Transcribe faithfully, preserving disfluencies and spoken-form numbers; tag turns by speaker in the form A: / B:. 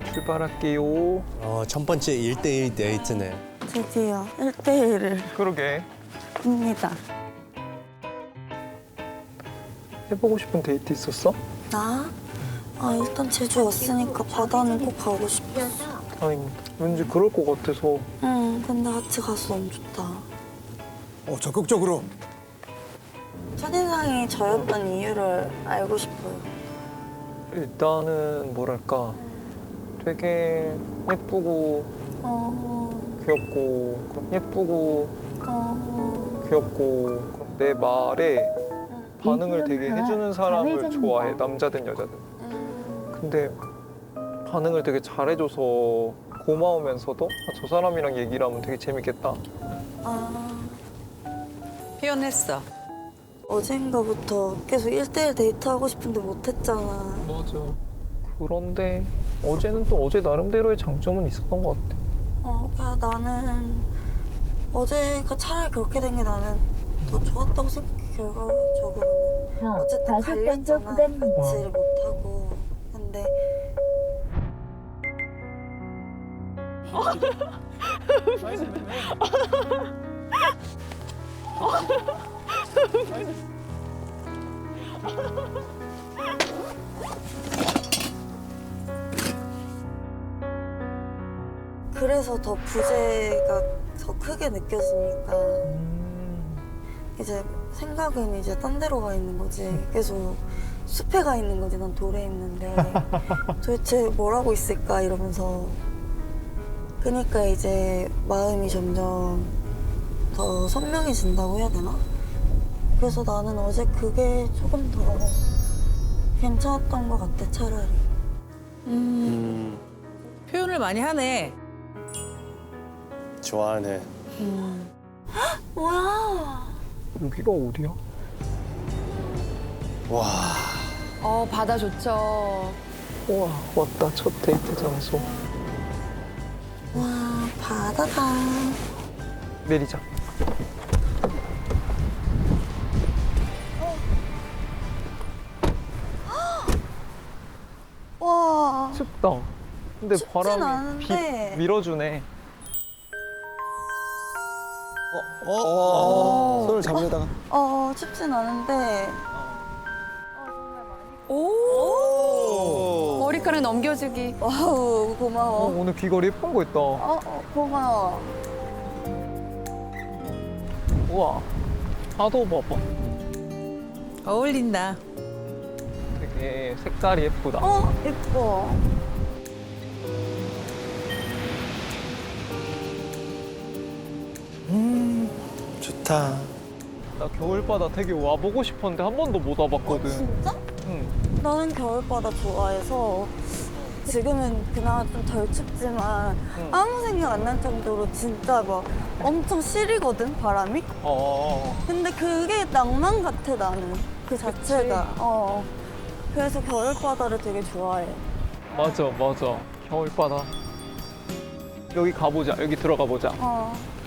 A: 출발할게요.
B: 어, 첫 번째 일대일 데이트네.
C: 드디어 일 대일을
A: 그러게.
C: 합니다.
A: 해보고 싶은 데이트 있었어?
C: 나? 아 일단 제주 왔으니까 바다는 꼭 가고 싶었어.
A: 다행이다. 왠지 그럴 것 같아서.
C: 응, 근데 같이 가서 너무 좋다.
D: 어, 적극적으로.
C: 첫인상이 저였던 이유를 알고 싶어요.
A: 일단은 뭐랄까 되게 예쁘고
C: 어,
A: 귀엽고 예쁘고
C: 어,
A: 귀엽고 내 말에 반응을 되게 해주는 사람을 좋아해. 남자든 여자든.
C: 음,
A: 근데 반응을 되게 잘해줘서 고마우면서도 아, 저 사람이랑 얘기를 하면 되게 재밌겠다.
C: 아,
E: 표현했어.
C: 어젠가부터 계속 일 대일 데이트하고 싶은데 못했잖아.
A: 맞아. 그런데 어제는 또 어제 나름대로의 장점은 있었던 것 같아.
C: 어, 그냥 나는 어제가 차라리 그렇게 된 게 나는 더 좋았다고 생각해, 결과적으로는. 어쨌든 갈렸잖아, 같이를 못하고. 근데 그래서 더 부재가 더 크게 느껴지니까 이제 생각은 이제 딴 데로 가 있는 거지. 계속 숲에 가 있는 거지. 난 돌에 있는데 도대체 뭘 하고 있을까 이러면서. 그러니까 이제 마음이 점점 더 선명해진다고 해야 되나? 그래서 나는 어제 그게 조금 더 괜찮았던 것 같아, 차라리.
B: 음,
E: 표현을 많이 하네.
B: 좋아하네.
C: 뭐야?
A: 여기가 어디야?
B: 와,
F: 어, 바다 좋죠.
A: 우와, 왔다. 첫 데이트 장소.
C: 와, 바다다.
A: 내리자.
C: 와,
A: 춥다. 근데
C: 춥진
A: 바람이
C: 않은데.
A: 비 밀어주네.
D: 어, 어, 손을 잡으려다가.
C: 어, 춥진 않은데.
F: 오! 머리카락 넘겨주기.
C: 와우,
A: 어,
C: 고마워.
A: 오늘 귀걸이 예쁜 거 있다.
C: 어, 어, 고마워.
A: 우와, 파도 봐봐.
E: 어울린다.
A: 되게 색깔이 예쁘다.
C: 어, 예뻐.
B: 좋다.
A: 나 겨울바다 되게 와보고 싶었는데 한 번도 못 와봤거든.
C: 진짜?
A: 응.
C: 나는 겨울바다 좋아해서 지금은 그나마 좀 덜 춥지만
A: 응.
C: 아무 생각 안 날 정도로 진짜 막 엄청 시리거든, 바람이?
A: 어.
C: 근데 그게 낭만 같아, 나는. 그 자체가. 어. 그래서 겨울바다를 되게 좋아해.
A: 맞아, 맞아. 겨울바다. 여기 가보자. 여기 들어가 보자.
C: 어.